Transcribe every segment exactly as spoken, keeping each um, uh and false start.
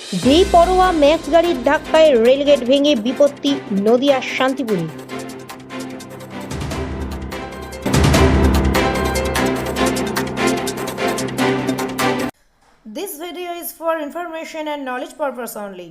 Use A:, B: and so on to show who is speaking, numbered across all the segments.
A: বেপরোয়া ম্যাক্স গাড়ির ধাক্কায় রেলগেট ভেঙে বিপত্তি নদিয়ার শান্তিপুরে। This video is for information and knowledge purpose only.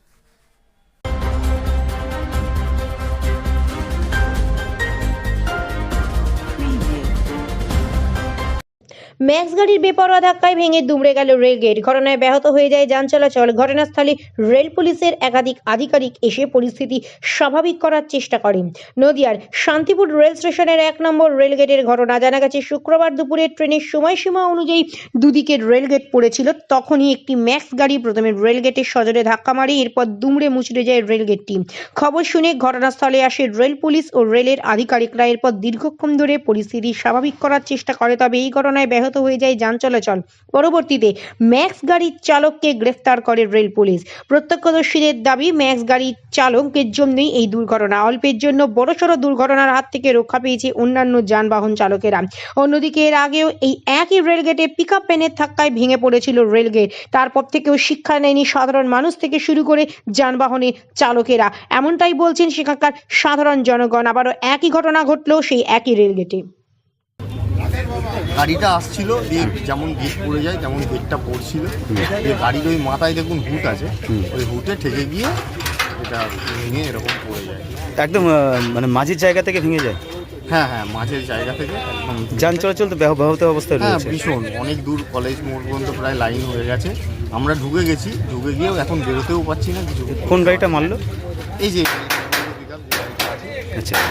A: Max গাড়ির বেপরোয়া ধাক্কায় ভেঙে দুমড়ে গেল রেলগেট। ঘটনায় ব্যাহত হয়ে যায় যান চলাচল। ঘটনাস্থলে রেল পুলিশের একাধিক আধিকারিক এসে পরিস্থিতি স্বাভাবিক করার চেষ্টা করেন। নদিয়ার শান্তিপুর রেল স্টেশনের এক নম্বর রেলগেটের ঘটনা। জানা গেছে শুক্রবার দুপুরে ট্রেনের সময়সীমা অনুযায়ী দুদিকের রেলগেট পড়েছিল। তখনই একটি ম্যাক্স গাড়ি প্রথমে রেলগেটের সজোরে ধাক্কা মারে, এরপর দুমড়ে মুচড়ে যায় রেলগেটটি। খবর শুনে ঘটনাস্থলে আসে রেল পুলিশ ও রেলের আধিকারিকরা। এরপর দীর্ঘক্ষণ ধরে পরিস্থিতি স্বাভাবিক করার চেষ্টা করে, তবে এই ঘটনায় ব্যাহত হয়ে যায় যান চলাচল। পরবর্তীতে ম্যাক্স গাড়ির চালককে গ্রেফতার করে রেল পুলিশ। প্রত্যক্ষদর্শীদের দাবি, ম্যাক্স গাড়ির চালকের জন্যই এই দুর্ঘটনা। অল্পের জন্য বড়সড় দুর্ঘটনার হাত থেকে রক্ষা পেয়েছে অন্যান্য যানবাহন চালকেরা। অন্যদিকে এর আগেও এই একই রেলগেটে পিকআপ ভ্যানের ধাক্কায় ভেঙে পড়েছিল রেলগেট। তারপর থেকেও শিক্ষা নেয়নি সাধারণ মানুষ থেকে শুরু করে যানবাহনের চালকেরা, এমনটাই বলছেন সেখানকার সাধারণ জনগণ। আবারও একই ঘটনা ঘটলো সেই একই রেলগেটে।
B: গাড়িটা আসছিল, দিয়ে যেমন গেট পড়ে যায় তেমন গেটটা পড়ছিল, দিয়ে গাড়ির ওই মাথায় দেখুন হুট আছে, ওই হুটে ঠেকে গিয়ে এটা ভেঙে এরকম পড়ে যায়।
C: একদম আহ, মানে মাঝের জায়গা থেকে ভেঙে যায়।
B: হ্যাঁ হ্যাঁ মাঝের জায়গা থেকে একদম
C: যান চলাচল তো ব্যাহ- ব্যাহত অবস্থায়
B: হ্যাঁ
C: রয়েছে।
B: ভীষণ, অনেক দূর কলেজ মোড় পর্যন্ত প্রায় লাইন হয়ে গেছে। আমরা ঢুকে গেছি, ঢুকে গিয়েও এখন বেরোতেও পাচ্ছি না কিছু।
C: কোন গাড়িটা মারলো?
B: এই যে
C: আচ্ছা,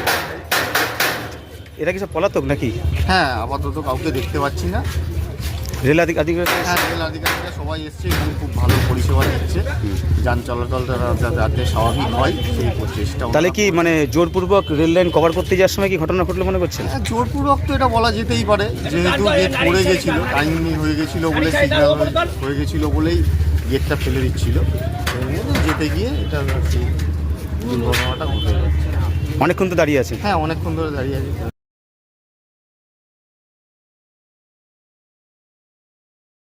C: এরা কি সব পলাতক নাকি?
B: হ্যাঁ আপাতত কাউকে দেখতে পাচ্ছি না।
C: রেল আধিক আধিকারিক
B: হ্যাঁ রেল আধিকারিকরা সবাই এসছে এবং খুব ভালো পরিষেবা দিচ্ছে, যান চলাচলটা যাতে স্বাভাবিক হয় সেই চেষ্টা।
C: তাহলে কি মানে জোরপূর্বক রেল লাইন কভার করতে যাওয়ার সময় কি ঘটনা ঘটলো মনে করছেন?
B: হ্যাঁ জোরপূর্বক তো এটা বলা যেতেই পারে, যেহেতু গেট পড়ে গেছিলো, টাইমিং হয়ে গেছিলো বলে, সিগন্যাল হয়ে গেছিলো বলেই গেটটা ফেলে দিচ্ছিল, যেতে গিয়ে এটা সেই দুর্ঘটনাটা ঘটে যাচ্ছে।
C: অনেকক্ষণ তো দাঁড়িয়ে আছে।
B: হ্যাঁ অনেকক্ষণ ধরে দাঁড়িয়ে আছে।